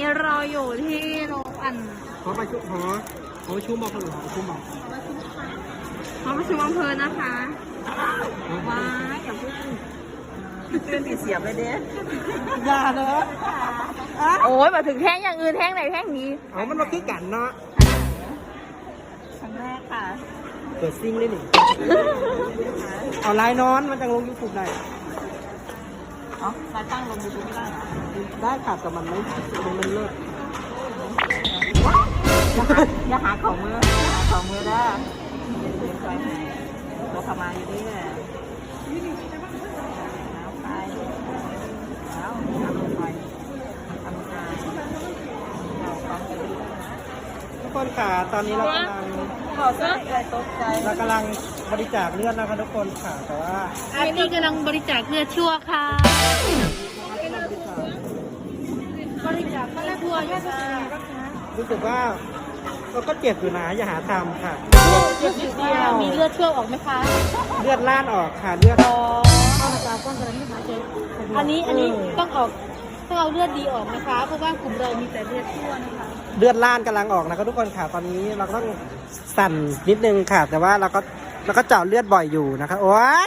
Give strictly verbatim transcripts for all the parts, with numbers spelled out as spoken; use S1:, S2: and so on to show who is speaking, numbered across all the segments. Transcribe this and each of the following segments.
S1: เราอยู่ที่โรงอัน
S2: ขอประชุมขอขอประชุมบอกคนอื่นขอประชุมบอก
S1: หอประชุมอำเภอนะคะว้ายอย่าพูดเป็นติดเสียบเลยเด้
S2: อย่าเนอะ
S1: โอ้ยมาถึงแท่งอย่างอื่นแท่งไหนแท่งนี้
S2: เอามันมาคือกันเนาะ
S1: ครั้งแรกค่ะ
S2: เปิดซิงได้หนิเอาไลน์นอนมันจะลงยูทูบได้
S1: อ๋อมาตั้งลงยูทูบไม่ได้เหรอ
S2: ได้ค่ะแต่มันไม่มันมันเลิก
S1: อย่าหาของมืออย่าหาของมือได้ตัวขมาอยู่นี่แหละแล้วไปแล้วทำไปทำงานเราต้องไปดูนะ
S2: ทุกคนค่ะตอนนี้เรากำลัง
S1: ขอเสื้อใจตกใจ
S2: เรากำลังบริจาคเลือดนะคะทุกคนค่ะแต่ว่า
S1: อันนี้กำลังบริจาคเลือดชั่วค่ะบริจาคเลือดชั่วยอดค่ะ
S2: รู้สึกว่าเราก็เจ็บอยู่นะอย่าหาทำค่ะ
S1: รู้สึกว่ามีเลือดชั่วออกไหมคะ
S2: เลือดล่านออกค่ะเลือด
S1: อ๋อเอามาจากก้อนกระดิ่งค่ะเจ๊อันนี้อันนี้ต้องออกต้องเอาเลือดดีออกนะคะ เพราะว่ากลุ่มเรามีแต่เลือดชั่วนะคะ
S2: เลือดล่านกำลังออกนะครับทุกคนค่ะตอนนี้เราก็ต้องสั่นนิดนึงค่ะ แต่ว่าเราก็เราก็เจาะเลือดบ่อยอยู่นะคะโอ้ย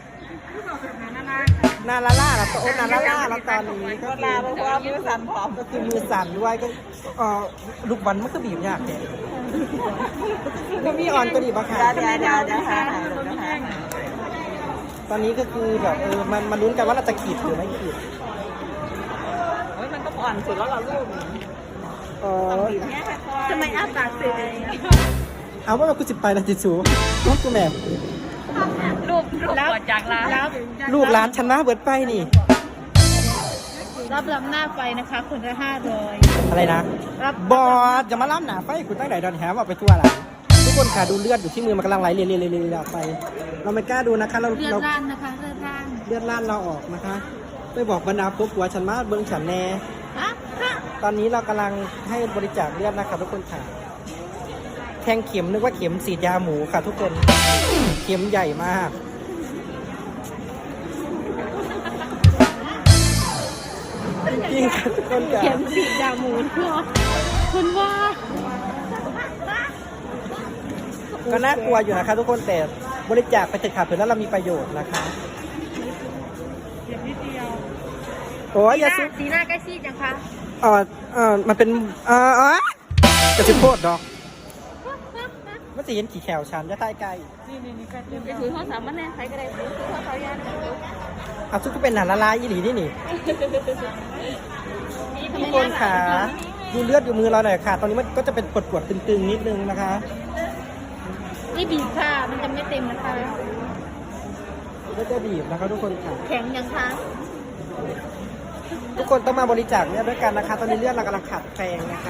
S2: นาลาล่าแล้วโอ้นาลาล่าแล้วตอนนี้ก็คือ
S1: เพราะว่ามือสั่นผอม
S2: ก็คือมือสั่นด้วยก็เอ่อลูกบอลมันก็บีบยากเนี่ยไม่มีอ่อนก็ดีบอะค่ะ
S1: เดี๋ยวเดี๋ยวเดี๋ยวค่ะ
S2: ตอนนี้ก็คือแบบเออมันมันลุ้นกันว่าเราจะขีดหรือไม่ขีด
S1: เฮ้ยมันก็อ่อนสุดแล้วเราลูก
S2: อ๋อ
S1: ทำไมอ้าปากเสีย
S2: เอาว่ากูจิบไปนะจิจูลูกกูแม่
S1: รูปรูปก่อนจากร้านรับ
S2: ลูกร้านชนะเบิดไปนี่
S1: รับรับหน้าไฟนะคะคนละห้าร้อย
S2: อะไรนะ
S1: รับบ
S2: อสจะมาล่ำหนาไฟกูตั้งไหนดอนแฮมว่าไปทั่วละทุกคนค่ะดูเลือดอยู่ที่มือมันกำลังไหลเรียๆๆๆไปเราไม่กล้าดูนะคะเรา
S1: เลือด
S2: เรา
S1: ร่างนะคะเลือดร่าง
S2: เลือดล่านเราออกนะคะไปบอกบรรดาพวกหัวฉันมาเบิ้งฉันแน่
S1: ฮะฮะ
S2: ตอนนี้เรากำลังให้บริจาคเลือดนะครับทุกคนค่ะแทงเข็มนึกว่าเข็มฉีดยาหมูค่ะทุกคนเข็มใหญ่มากจริงค่ะทุกคนค่ะ
S1: เข็มฉีดยาหมูเหรอคุณว่า
S2: ก็น่ากลัวอยู่นะคะทุกคนแต่บริจาคไปเถอะค่ะเผื่อแล้วเรามีประโยชน์นะคะโอ้ยอย่าซุ
S1: สีหน้าใกล้ชิดยังคะ
S2: เออเออมันเป็นเออเออจะสิโพดดอกมันจะเห็นขี่แขวชันจะใต้ไกล
S1: ไปถือข้อสามมันแน่ใครก็ได้ถือข้อสามยา
S2: เอาซุกก็เป็นหนาละลายอีหลีนี่นี่ทุกคนค่ะดูเลือดอยู่มือเราหน่อยค่ะ ตอนนี้มันก็จะเป็นปวดปวดๆตึงๆนิดนึงนะคะ
S1: นี่บีบค่ะมันจะไม่เต็มนะคะ
S2: ก็จะบีบนะคะทุกคนค่ะ
S1: แข็งยังคะ
S2: ทุกคนต้องมาบริจาคเลือดด้วยกันนะคะ ตอนนี้เลือดเรากำลังขาดแคลนนะคะ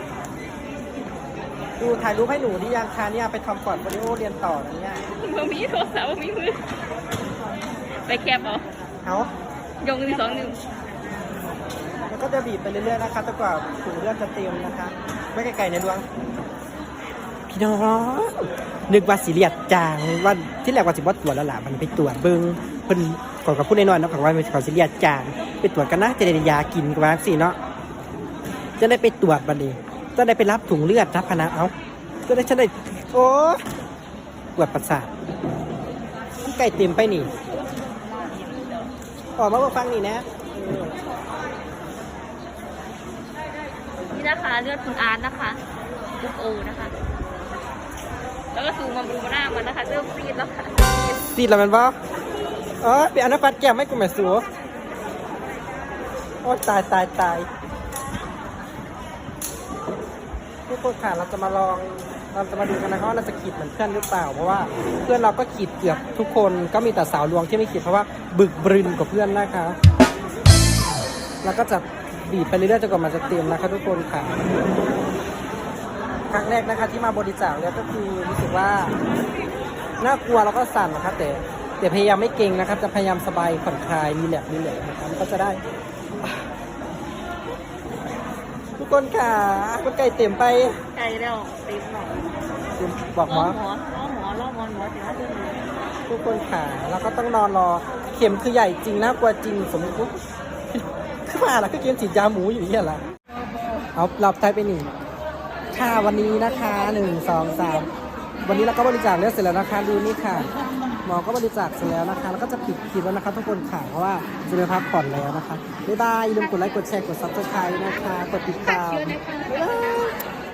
S2: ดูถ่ายรูปให้หนูที่ยังคะเนี่ยไปทำก่อนโปรดิโอเรียนต่อนะเนี่ย
S1: มือมีโทรศัพท์มีมือไปแคบเหรอ
S2: เอา
S1: ยงที่สองหนึ่ง
S2: แล้วก็จะบีบไปเรื่อยๆนะคะจนกว่าถุงเลือดจะเต็มนะคะ ไม่ไกลๆในดวงพี่น้องนึกว่าสิเลียดจางว่าที่แรกว่าสิบวัดตรวจแล้วล่ะมันไปตรวจเบิ้งเพิ่นก่อนกับพูดน้อยๆเนาะของว่ามันเขาสิเลียดจางไปตรวจกันนะจะได้ยากินกันว่าสิเนาะจะได้ไปตรวจบัดนี้จะได้ไปรับถุงเลือดรับพนะเอาจะได้ฉันได้โอ้ปวดประสาทไก่เต็มไปนี่ออกมาบอกฟังนี่นะ
S1: นี่นะคะเลือดคุณอาร์ตนะคะลูกโอนะคะ แล้วก็สูงมาบรูมาหน้ามันนะคะเริ่มซีดแล้วค่ะ
S2: ซีดแล้วมันบ่เออเปลี่ยนอนุปัดแก้มไม่กูแม่สูโอ้ตายตายตายทุกคนค่ะเราจะมาลองเราจะมาดูกันนะคะว่าเราจะขีดเหมือนเพื่อนหรือเปล่าเพราะว่าเพื่อนเราก็ขีดเกือบทุกคนก็มีแต่สาวลวงที่ไม่ขีดเพราะว่าบึกบรึนกว่าเพื่อนนะคะแล้วก็จะบีบไปเรื่อยๆจนกว่ามันจะเต็มนะคะทุกคนค่ะครั้งแรกนะคะที่มาบริจาคเนี่ยก็คือรู้สึกว่าน่ากลัวแล้วก็สั่นนะคะแต่แต่พยายามไม่เก่งนะครับจะพยายามสบายผ่อนคลายรีแลกซ์รีแลกซ์นะครับก็จะได้ทุกคนค่ะคุณไก่เต็มไป
S1: ไกลแล้วตีหน่อย
S2: บอกหม
S1: ล่
S2: อ
S1: อหมอล่อหมอล่อหมอหมอถึงห้าเดือนเลย
S2: ทุกคนค่ะแล้วก็ต้องนอนรอเข็มคือใหญ่จริงน่ากลัวจริงสมมติขึ้นมาแล้วก็เกียนฉีดยาหมูอยู่นี่แหละเอาเราไทยไปนี่ค่ะวันนี้นะคะหนึ่งสองสามวันนี้เราก็บริจาคเลือดเสร็จแล้วนะคะดูนี่ค่ะหมอก็บริจาคเสร็จแล้วนะคะแล้วก็จะปิดคลิปแล้วนะคะทุกคนค่ะเพราะว่าจะไปพักผ่อนแล้วนะคะบ๊ายบายอย่าลืมกดไลค์กดแชร์กดซับสไครต์นะคะกดติดตามบ๊ายบาย